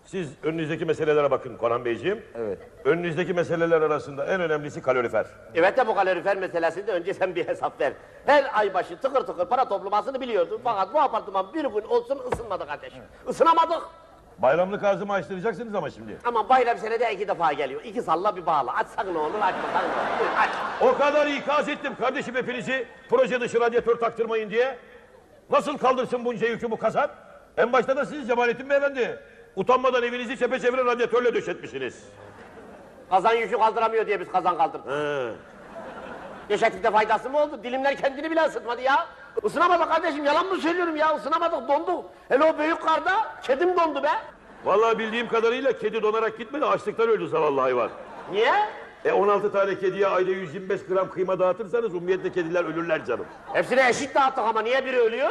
Siz önünüzdeki meselelere bakın Konan Beyciğim. Evet. Önünüzdeki meseleler arasında en önemlisi kalorifer. Evet de bu kalorifer meselesinde önce sen bir hesap ver. Her ay başı tıkır tıkır para toplamasını biliyordun. Fakat bu apartman bir gün olsun ısınmadı kardeşim. Isınamadık. Bayramlık ağzımı açtıracaksınız ama şimdi. Ama bayram senede 2 defa geliyor. 2 salla bir bağla. Açsak ne olur, açmasak ne olur. Buyur, aç. O kadar ikaz ettim kardeşim hepinizi. Proje dışı radyatör taktırmayın diye. Nasıl kaldırsın bunca yükü bu kasap? En başta da siz Cemalettin Beyefendi. Utanmadan evinizi çepeçevre radyatörle döşetmişsiniz. Kazan yükü kaldıramıyor diye biz kazan kaldırdık. Döşeklikte faydası mı oldu? Dilimler kendini bile ısıtmadı ya. Isınamadık kardeşim, yalan mı söylüyorum ya? Isınamadık, donduk. Hele o büyük karda kedim dondu be. Vallahi bildiğim kadarıyla kedi donarak gitmedi, açlıktan öldü zavallı hayvan. Niye? 16 tane kediye ayda 125 gram kıyma dağıtırsanız ummiyetle kediler ölürler canım. Hepsine eşit dağıttık ama niye biri ölüyor?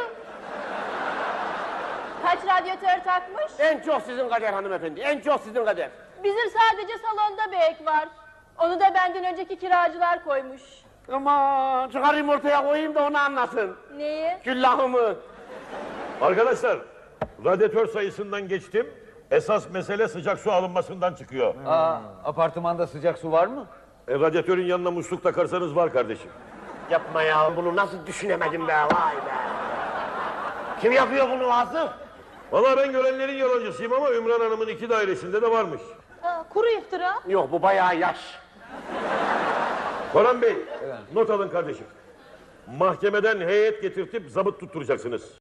Kaç radyatör takmış? En çok sizin kader hanımefendi, en çok sizin kader. Bizim sadece salonda bir ek var. Onu da benden önceki kiracılar koymuş. Aman çıkarayım ortaya koyayım da onu anlasın. Neyi? Küllahımı. Arkadaşlar, radyatör sayısından geçtim. Esas mesele sıcak su alınmasından çıkıyor. Apartmanda sıcak su var mı? Radyatörün yanına musluk takarsanız var kardeşim. Yapma ya, bunu nasıl düşünemedim be, vay be. Kim yapıyor bunu Vasıf? Vallahi ben görenlerin yalancısıyım ama Ümran Hanım'ın 2 dairesinde de varmış. Kuru iftira. Yok, bu bayağı yaş. Konan Bey, not alın kardeşim. Mahkemeden heyet getirtip zabıt tutturacaksınız.